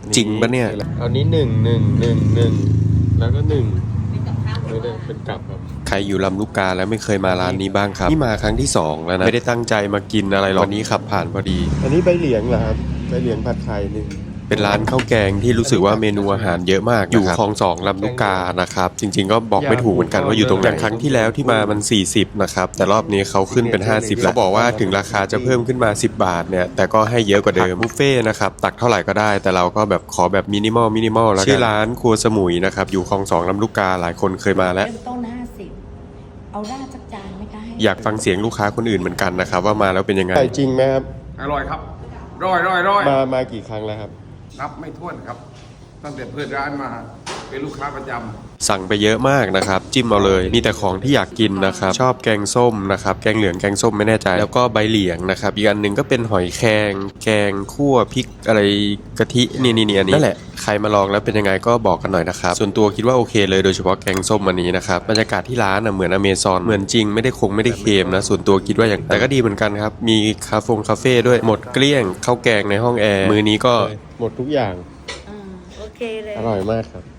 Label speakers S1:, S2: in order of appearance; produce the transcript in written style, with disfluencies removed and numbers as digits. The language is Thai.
S1: จริงปะเนี่ยเอานี้1 1 1 1แล้วก็1ไม่ได้เป็นกลับครับใครอยู่ลำลูกกาแล้วไม่เคยมาร้านนี้บ้างครับนี่มาครั้งที่2แล้วนะไม่ได้ตั้งใจมากินอะไรหรอกวันนี้ขับผ่านพอดีอันนี้ใบเหลียงเหรอครับใบเหลียงผัดไข่1เป็นร้านข้าวแกงที่รู้สึกว่าเมนูอาหารเยอะมากอยู่คลอง2ลำลูกกานะครับจริงๆก็บอกไม่ถูกเหมือนกันว่าอยู่ตรงไหนอย่างครั้งที่แล้วที่มามัน40นะครับแต่รอบนี้เขาขึ้นเป็น50แล้วเขาบอกว่าถึงราคาจะเพิ่มขึ้นมา10 บาทเนี่ยแต่ก็ให้เยอะกว่าเดิมบุฟเฟ่นะครับตักเท่าไหร่ก็ได้แต่เราก็แบบขอแบบมินิมอลแล้วกันชื่อร้านครัวสมุยนะครับอยู่คลอง2ลำลูกกาหลายคนเคยมาแล้ว
S2: เริ่มต้น50เอาราดสักจานไหมคะ
S1: อยากฟังเสียงลูกค้าคนอื่นเหมือนกันนะครับว่ามาแล้วเป็นยังไงจริงไหมครับ
S3: อร่อยครับร่อย
S1: มากี่ครั้งแล้วครับ
S3: นับไม่ถ้วนครับตั้งแต่เปิดร้านมาเป็นลูกค้าประจำ
S1: สั่งไปเยอะมากนะครับจิ้มเอาเลยมีแต่ของที่อยากกินนะครับชอบแกงส้มนะครับแกงเหลืองแกงส้มไม่แน่ใจแล้วก็ใบเหลียงนะครับอีกอันหนึ่งก็เป็นหอยแครงแกงคั่วพริกอะไรกะทินี่อันนี้นั่นแหละใครมาลองแล้วเป็นยังไงก็บอกกันหน่อยนะครับส่วนตัวคิดว่าโอเคเลยโดยเฉพาะแกงส้มอันนี้นะครับบรรยากาศที่ร้านเหมือนอเมซอนเหมือนจริงไม่ได้เค็มนะส่วนตัวคิดว่าอย่างแต่ก็ดีเหมือนกันครับมีคาเฟ่ด้วยหมดเกลี้ยงข้าวแกงในห้องแอร์มื้อนี้ก็หมดทุกอย่าง
S2: โอเคเลย
S1: อร่อยมากครับ